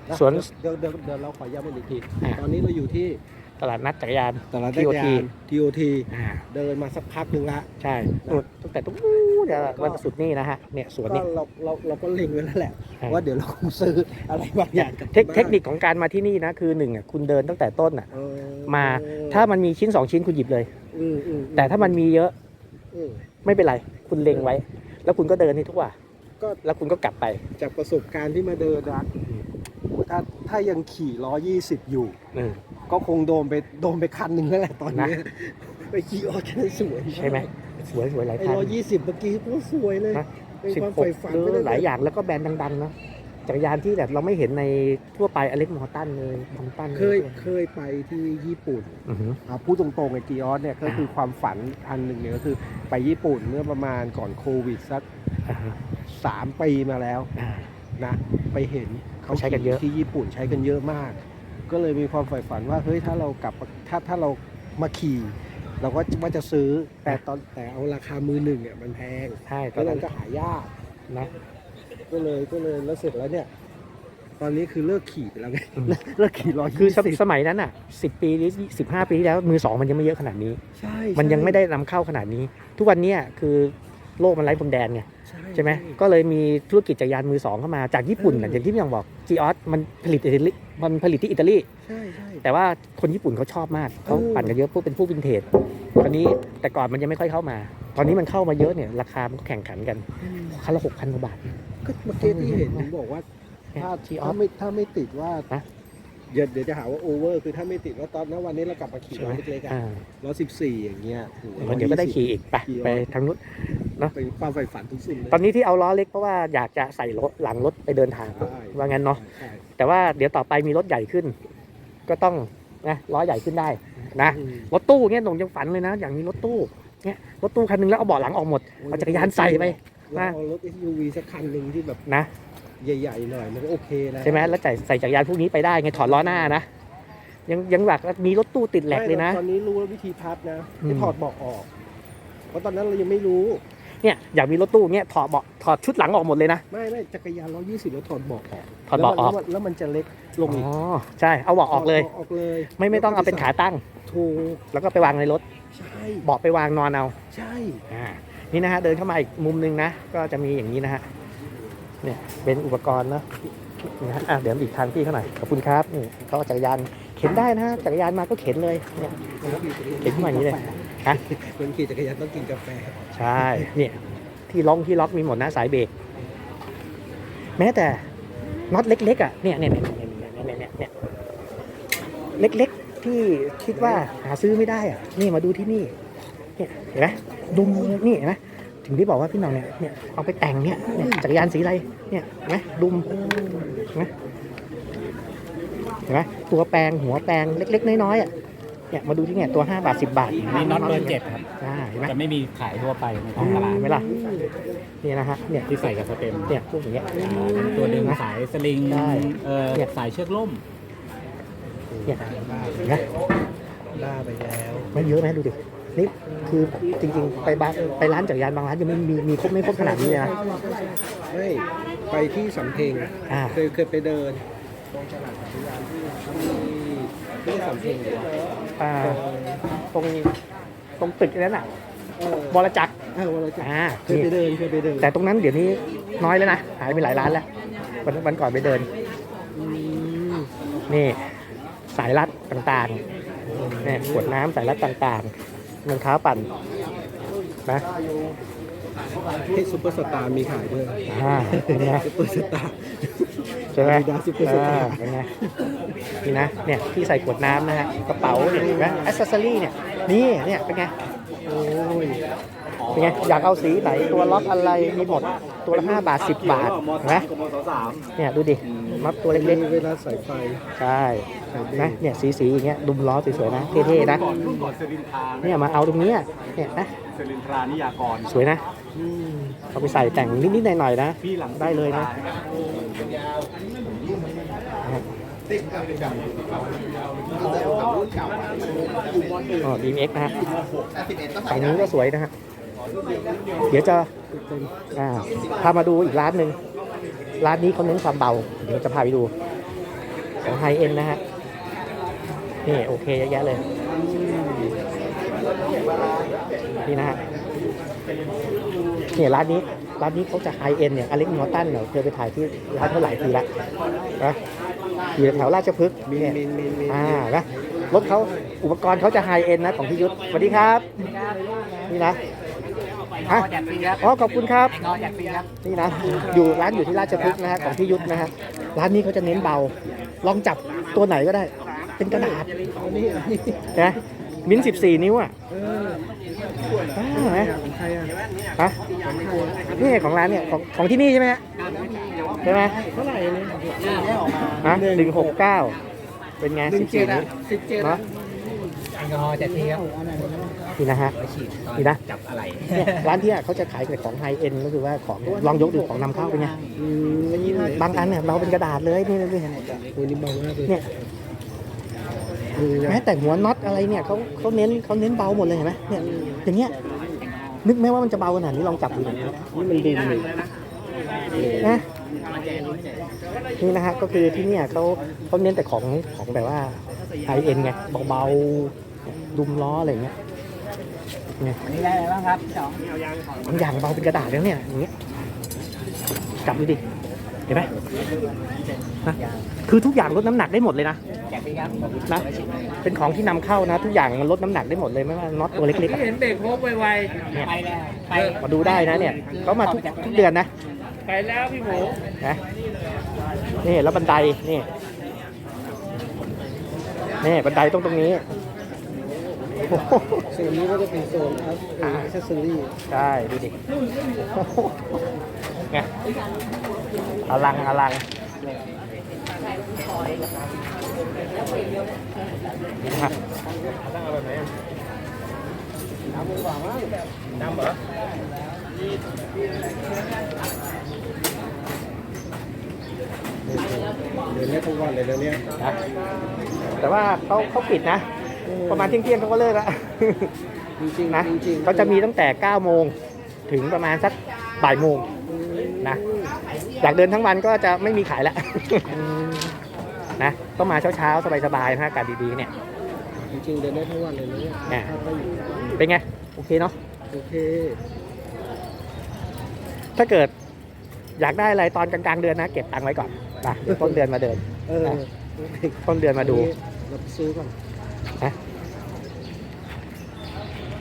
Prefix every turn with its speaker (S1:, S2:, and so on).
S1: สวน
S2: เดี๋ยวเราขอย้ำอีกทีตอนนี้เราอยู่ที่
S1: ตลาดนัดจักรยาน
S2: ตลาดนัดจักรยาน TOT
S1: อ่า
S2: เดินมาสักพักหนึ่งละ
S1: ใช่นู่นตั้งแต่ตรงนู้นเนี่ยวันสุดนี่นะฮะเนี่ยสวน
S2: ก็
S1: นี่
S2: เราก็เล็งไว้แล้วแหละ
S1: ใช่
S2: ว่าเดี๋ยวเราคงซื้ออะไรบางอย่างกลับ
S1: เทคนิคของการมาที่นี่นะคือหนึ่งอ่ะคุณเดินตั้งแต่ต้นอ่ะ
S2: เออ
S1: มาถ้ามันมีชิ้น2ชิ้นคุณหยิบเลย
S2: อืม
S1: แต่ถ้ามันมีเยอะ
S2: อืม
S1: ไม่เป็นไรคุณเล็งไว้ แล้วคุณก็เดินให้ทุกว่า
S2: ก็
S1: แล้วคุณก็กลับไป
S2: จากประสบการณ์ที่มาเดินนะถ้ายังขี่120อยู่
S1: อืม
S2: ก็คงโดนไปคันหนึ่งแล้วแหละตอนนี้ไปขี่ออแค่สวย
S1: ใช่ไหมสวยหลาย
S2: ไอ้
S1: คัน
S2: 120เมื่อกี้ก็สวยเลย
S1: นะ
S2: เป็นความ
S1: 16
S2: ใฝ่ฝัน
S1: หรือ
S2: ไป
S1: หลายอย่างแล้วก็แบรนด์ดังๆนะจักรยานที่แบบเราไม่เห็นในทั่วไปอเล็กมอร์ตันเลยบองตัน
S2: เคยไปที่ญี่ปุ่น
S1: อือหือ
S2: พูดตรงๆไอ้กีออสเนี่ยก็คือความฝันอันหนึ่งเนี่ยก็คือไปญี่ปุ่นเมื่อประมาณก่อนโควิดสัก
S1: อ่าฮะ
S2: 3 ปีมาแล้ว
S1: อ่า
S2: นะไปเห็น
S1: เขาใช้กันเยอะ
S2: ที่ญี่ปุ่นใช้กันเยอะมาก ก็เลยมีความใฝ่ฝันว่าเฮ้ยถ้าเรากลับถ้าเรามาขี่ เราก็ว่าจะซื้อแต่เอาราคามือหนึ่งเนี่ยมันแพง
S1: ใช่ต
S2: ก็
S1: อน
S2: เล
S1: นั้
S2: ย
S1: น
S2: ก็หายาก
S1: นะ
S2: ก็เลยแล้วเสร็จแล้วเนี่ย ตอนนี้คือเลิกขี่ไปแล้วไง
S1: อืม
S2: เลิกขี่
S1: คือ
S2: 120
S1: สมัยนั้นอ่ะ10 ปีหรือ15 ปีที่แล้วมือสองมันยังไม่เยอะขนาดนี้
S2: ใช่
S1: มันยังไม่ได้นำเข้าขนาดนี้ ทุกวันเนี้ยคือโลกมันไร้พรมแดนไงใช่ไหมก็เลยมีธุรกิจจักรยานมือสองเข้ามาจากญี่ปุ่นน่ะอย่างที่พี่ยองบอกจีออสมันผลิตที่อิตาลี
S2: ใช่
S1: แต่ว่าคนญี่ปุ่นเขาชอบมากเขาปั่นกันเยอะพวกเป็นผู้วินเทจตอนนี้แต่ก่อนมันยังไม่ค่อยเข้ามา ตอนนี้มันเข้ามาเยอะเนี่ยราคามันก็แข่งขันกันคันละ6,000 กว่าบาท
S2: ก็เมื่อกี้ที่เห็นผมบอกว่า
S1: เนี่ย
S2: ถ้าไม่ติดว่า
S1: นะ
S2: เดี๋ยวจะหาว่าโอเวอร์คือถ้าไม่ติดว่าตอนนั้นวันนี้เรากลับมาขี่
S1: ใช่ไหม
S2: รถเล็กๆอ่ะ
S1: อ่า
S2: 114อย่างเงี้ยโอ้โห
S1: เดี๋ยวก็ได้ขี่อีกไป
S2: ขี่
S1: ไปทางนู้น
S2: เป็นความใฝ่ฝันทุกสิ่งเลย
S1: ตอนนี้ที่เอาล้อเล็กเพราะว่าอยากจะใส่รถหลังรถไปเดินทาง
S2: ใช่
S1: ว่างั้นเนาะ
S2: ใช่
S1: แต่ว่าเดี๋ยวต่อไปมีรถใหญ่ขึ้น ก็ต้องนะล้อใหญ่ขึ้นได้นะ
S2: อืม
S1: รถตู้เงี้ยหนงยังฝันเลยนะ อย่างนี้รถตู้เนี่ยรถตู้คันหนึงแล้วเอาเบาะหลังออกหมดเอาจักรยานใส่ไป
S2: แล้วเอารถ SUV สักคันหนึ่งที่แบบ
S1: นะ
S2: ใหญ่ๆหน่อยมันก็โอเคแล้ว
S1: ใช่ไหมแล้วใส่จักรยานพวกนี้ไปได้ไงถอดล้อหน้านะยังแบบมีรถตู้ติดแหลกเลยนะ
S2: ไม่ตอนนี้รู้แล้ววิธีพับนะ
S1: อืม
S2: ให้ถอดเบาะออก เพราะตอนนั้นเรายังไม่รู้
S1: เนี่ยอยากมีรถตู้เนี่ยถอดเบาะถอดชุดหลังออกหมดเลยนะ
S2: ไม่จักรยาน120แล้วถอดเบาะออก
S1: ถอดเบาะออก
S2: แล้วมันจะเล็กลง
S1: อ๋
S2: อีก
S1: อใช่เอาเบาะออกเลย
S2: ออกเลย
S1: ไม่ต้องเอาเป็นขาตั้ง
S2: ถูก
S1: แล้วก็ไปวางในรถ
S2: ใช่
S1: เบาะไปวางนอนเอา
S2: ใช่
S1: นี่นะฮะเดินเข้ามาอีกมุมนึงนะ ก็จะมีอย่างนี้นะฮะเนี่ยเป็นอุปกรณ์นะนะฮะเดี๋ยวอีกทางพี่เขาหน่อยขอบคุณครับนี่เขาเอาจักรยานเข็นได้นะฮะจักรยานมาก็เข็นเลยเนี่ยเข็นขึ้นมาอย่างนี้เลยฮะ
S2: คนขี่จักรยานต้องกินกาแฟ
S1: ใช่เนี่ยที่ล็อกมีหมดนะสายเบรกแม้แต่น็อตเล็กๆอ่ะเนี่ยเล็กๆที่คิดว่าหาซื้อไม่ได้อ่ะนี่มาดูที่นี่เนี่ยเห็นไหมดุมนี่เห็นไหมถึงที่บอกว่าพี่น้องเนี่ยเอาไปแต่งเนี่ยจักรยานสีอะไรเนี่ยเห็นไหมดุมเห็นไหมตัวแปลงหัวแปลงเล็กๆน้อยๆอ่ะเนี่ยมาดูที่เนี่ยตัว5 บาท 10 บาท
S3: นี่น็อตเบอร์7ครับ
S1: เห็นไหม
S3: จะไม่มีขายทั่วไปในท้องตลาด
S1: เห็นไหมล่ะนี่นะฮะเนี่ย
S3: ที่ใส่กับสเต็ม
S1: เนี่ยพวกอย่างเงี้ย
S3: ตัวดึงสายสลิง
S1: ได้เนี่ย
S3: สายเชือกล่ม
S1: เนี่ยเห็นไหม
S2: ล่าไปแล้ว
S1: ไม่เยอะนะดูดินี่คือจริงๆไปร้านจักรยานบางร้านยังไม่มีครบไม่ครบขนาดนี้เลยนะ
S2: ไม่ไปที่สำเพ็ง
S1: อ่า
S2: เคยไปเดินตรงตลาดจักรยานที่สำเพ็งเลย
S1: อ่าตรงตึกนั้นน่ะบรจักร
S2: วันละจักร
S1: อ่า
S2: เคยไปเดิน
S1: แต่ตรงนั้นเดี๋ยวนี้น้อยแล้วนะหายไปหลายร้านแล้ววันก่อนไปเดิน
S2: อืม
S1: นี่สายรัดต่างๆเนี่ยขวดน้ำสายรัดต่างๆรองเท้าปั่นนะ
S2: ที่ซุปเปอร์สตาร์มีขายด้วย
S1: เป็นไง
S2: ซุปเปอร์สตาร์
S1: ใช่ไหม
S2: Adidas Super Star
S1: เป็นไงนี่นะเนี่ยที่ใส่ขวดน้ำนะฮะกระเป๋าเนี่ยเห็นไหมแอคเซสซอรี่เนี่ยนี่เนี่ยเป็นไง
S2: โอ้ย
S1: เป็นไงอยากเอาสีไหนตัวล็อกอะไรมีหมดตัวละ5 บาท 10 บาทเห็นไหมเนี่ยดูดิมัดตัวเล็ก
S2: เวลาใส่ไฟ
S1: ๆใช่นะเนี่ยสีอย่างเงี้ยดุมล้อสวยๆนะเท่ๆนะเนี่ยมาเอาตรงเนี้ยเนี่ยนะ
S3: เซรินทรานิยากร
S1: สวยนะ
S2: อืม
S1: เอาไปใส่แต่งนิดๆหน่อยๆนะ
S3: พี่หลัง
S1: ได้เลยนะอ๋อ BMX นะฮะฝั่งนี้ก็สวยนะฮะเดี๋ยวจะพามาดูอีกร้านหนึ่งร้านนี้เขาเน้นความเบาเดี๋ยวจะพาไปดูของไฮเอ็นนะฮะนี่โอเคเยอะแยะเลยนี่นะฮะเนี่ยร้านนี้เขาจะไฮเอ็นเนี่ยอเล็กนอตันเนี่ยเคยไปถ่ายที่ร้านเท่าไหร่ทีละนะอยู่แถวราชพฤกษ์
S2: มี
S1: เนี่ย
S2: มี
S1: นะรถเขาอุปกรณ์เขาจะไฮเอ็นนะของพี่ยุทธสวัสดีครับนี่นะฮะอ๋อขอบคุณครับนี่นะร้านอยู่ที่ราชพฤกษ์นะฮะของพี่ยุทธนะฮะร้านนี้เขาจะเน้นเบาลองจับตัวไหนก็ได้เป็นกระดาษนะมิ้น14 นิ้วอ่ะนะ
S2: ของใครอ่ะ
S1: ฮะนี่ของร้านเนี่ยของที่นี่ใช่ไหมฮะใช่ไหม
S2: เท่าไหร่เลย
S1: ฮะ169เป็นไง14 นิ้ว
S2: 17
S1: เนาะ
S3: แอลกอฮอล์จะเทียบ
S1: นี่นะฮะ
S3: ไปฉีดตอน
S1: นี่นะ
S3: จับอะไร
S1: เนี่ยร้านที่เขาจะขายแต่ของไฮเอ็นก็คือว่าของลองยกดูของนำเข้าเป็นไงบางอันเนี่ยเราเป็นกระดาษเลยนี่
S2: โอ้นี่เบามากเลย
S1: เนี่ย แม้แต่หัวน็อตอะไรเนี่ยเขาเน้นเบาหมดเลยเห็นไหมเนี่ยอย่างเงี้ยนึกไหมว่ามันจะเบาขนาดนี้ลองจับดูหน่อย
S2: นี่มันดึงเลย
S1: นะนี่นะฮะก็คือที่เนี่ยเขาเน้นแต่ของแบบว่าไฮเอ็นไงเบาๆดุมล้ออะไรอย่างเงี้ยเนี่ย
S3: วันนี้ได้อะไรบ้างครับพี่สอง
S1: บางอย่างเบาเป็นกระดาษแล้วเนี่ยอย่างเงี้ยจับดูดิเห็นไหมนะคือทุกอย่างลดน้ำหนักได้หมดเลยนะ
S3: แจกฟรีครับ
S1: นะ เป็นของที่นำเข้านะ ทุกอย่างมันลดน้ำหนักได้หมดเลยไม่ว่าน็อตตัวเล็กๆอะ
S4: เห็นเบรกโฮบไว
S1: เนี่ย
S3: ไปแล้วไป
S1: มาดูได้นะเนี่ยเขามาทุกเดือนนะ
S4: ๆไปแล้วพี่หมู
S1: นะนี่แล้วบันไดนี่บันไดตรงนี้โอ้โห
S2: โซนนี้ก็จะเป็นโซนอัพเซสซอรี่
S1: ใช่ดูดิโอ้โหไงอลังนะครับ
S3: น้ำเหรอ
S2: เดินได้ทุกวันเลยเดี๋ยวนี้
S1: นะแต่ว่าเขาปิดนะ ประมาณเที่ยงเขาก็เลิกแล้ว
S2: จริงๆ
S1: นะ
S2: จริงๆ
S1: เขาจะมีตั้งแต่9 โมงถึงประมาณสักบ่ายโมงนะอยากเดินทั้งวันก็จะไม่มีขายแล้ว นะต้องมาเช้าๆสบายๆนะอากาศดีๆเนี่ย
S2: จริงๆเดินได้ทั้งวันเลยนะเนี่ย
S1: อ่า
S2: ถ้าก็อยู่
S1: เป็นไงโอเคเนาะ
S2: โอเค
S1: ถ้าเกิดอยากได้อะไรตอนกลางๆเดือนนะเก็บตังค์ไว้ก่อนนะเดี๋ยวต้นเดือนมาเดิน
S2: เออ
S1: ต้นเดือนมาดู
S2: เราซื้อก่อน
S1: นะ